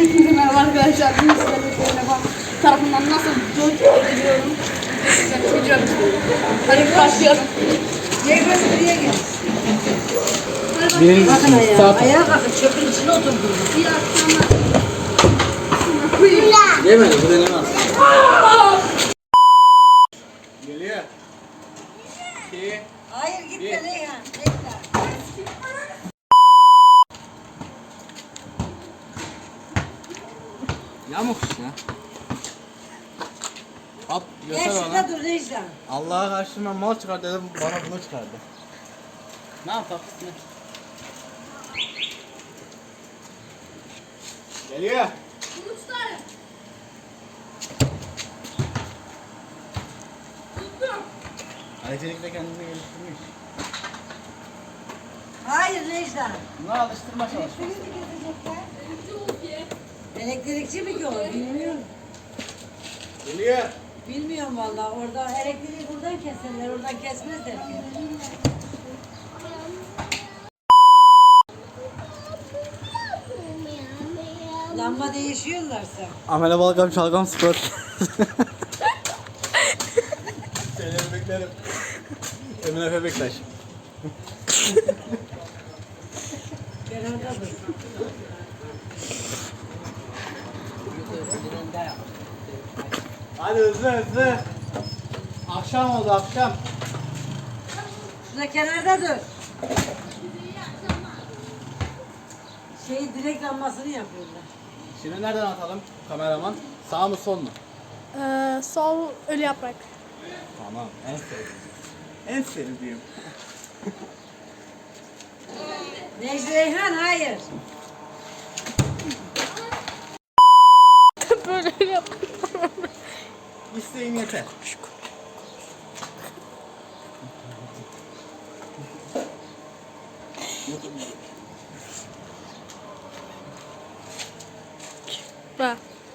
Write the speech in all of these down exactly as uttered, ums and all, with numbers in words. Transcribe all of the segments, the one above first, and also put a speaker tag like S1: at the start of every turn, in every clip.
S1: Hepinize merhaba arkadaşlar. Bugün sizlerle telefon tarafından nasıl dört ediliyorum. Size video atıyorum. Hadi başlayalım.
S2: Ceyhan buraya gel.
S3: Birinci
S2: Bakın ayağa.
S3: saat.
S2: Ayağa kalkın. Çöpün içine oturdunuz.
S1: İyi akşamlar. Kuyum.
S3: Yemedi, bu denemez. Geliyor. İki.
S2: Hayır gitme
S3: Bir.
S2: Reyhan. Bekle.
S3: Yamuk işte. At,
S2: Gel
S3: göster
S2: şurada
S3: bana.
S2: dur Reyhan.
S3: Allah'a karşı ben mal çıkar dedim, bana bunu çıkardı. Ne yapalım? Geliyor.
S1: Bunu tutarım. Tuttum.
S3: Aycelik kendini geliştirmiş.
S2: Hayır Reyhan.
S3: Buna alıştırma çalışması.
S2: Elektrikçi mi ki o? Bilmiyorum.
S3: Geliyor.
S2: Bilmiyorum vallahi. Orada elektriği buradan keserler. Oradan kesmezler ki. Lamba değişiyorlarsa.
S3: Amele Balgam Çalgam Spor. Seni beklerim. Emin Efe Bektaş.
S2: Kenarda dur.
S3: Hadi hızlı hızlı. Akşam oldu akşam.
S2: Şurada kenarda dur. Şey direkt lambasını yapıyorlar.
S3: Şimdi nereden atalım kameraman? Sağ mı sol mu?
S1: Ee, sol ölü yaprak.
S3: Tamam en sevdiğim. En sevdiğim.
S2: Necdi Reyhan hayır.
S1: Böyle ölü yaprak.
S3: İsteğin yeter.
S1: Bak.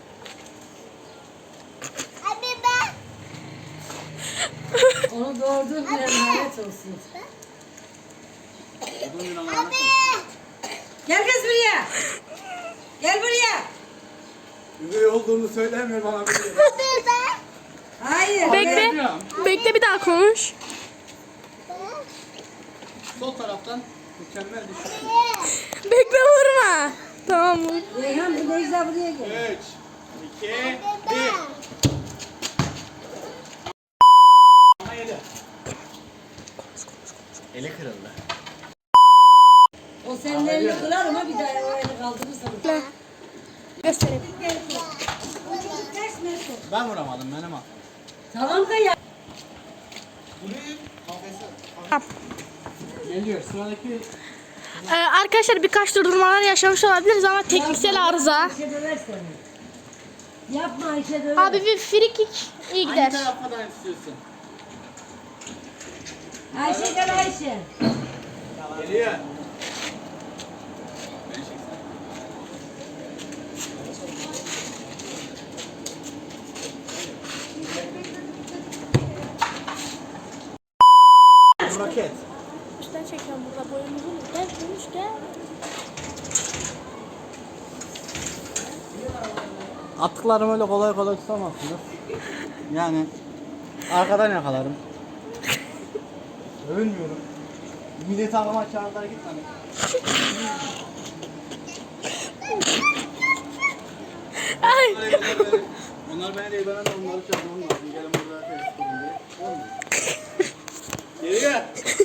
S2: Onu doğurduğun bir emanet olsun. Gel kız buraya. Gel buraya.
S3: Üvey olduğunu söylemiyor bana.
S2: Hayır.
S1: Bekle.
S2: gel.
S1: Bekle bir daha konuş.
S3: Sol taraftan mükemmel düşüş.
S1: Bekle vurma. Tamam vur.
S2: Reyhan bu Necla buraya gel.
S3: üç, iki, bir. Ama yedi. Eli kırıldı.
S2: O senin elini kırar ama bir daha o elini kaldırırsan.
S1: Bekle. Göstereyim.
S2: O çocuk ters mi?
S3: Ben vuramadım benim al.
S2: Tamam da ya.
S1: Tamam.
S3: Geliyor sıradaki.
S1: Ee, arkadaşlar birkaç durdurmalar yaşamış olabiliriz ama tekniksel arıza.
S2: Ayşe döver seni. Yapma Ayşe döver.
S1: Abi bir free kick iyi gider.
S3: Hangi taraftan istiyorsun?
S2: Ayşe gel Ayşe.
S3: Geliyor. Raket.
S1: Üstten çekiyorum burada boyumuzu. Gel konuş gel.
S3: Attıklarımı öyle kolay kolay tutamazsınız. Yani arkadan yakalarım. Övünmüyorum. Milli takıma çağırdılar gitmedi.
S1: Ay.
S3: Onlar beni değil, ben de onları çağırmam lazım. Gelin burada test edin diye. Olmuyor. Geliyor.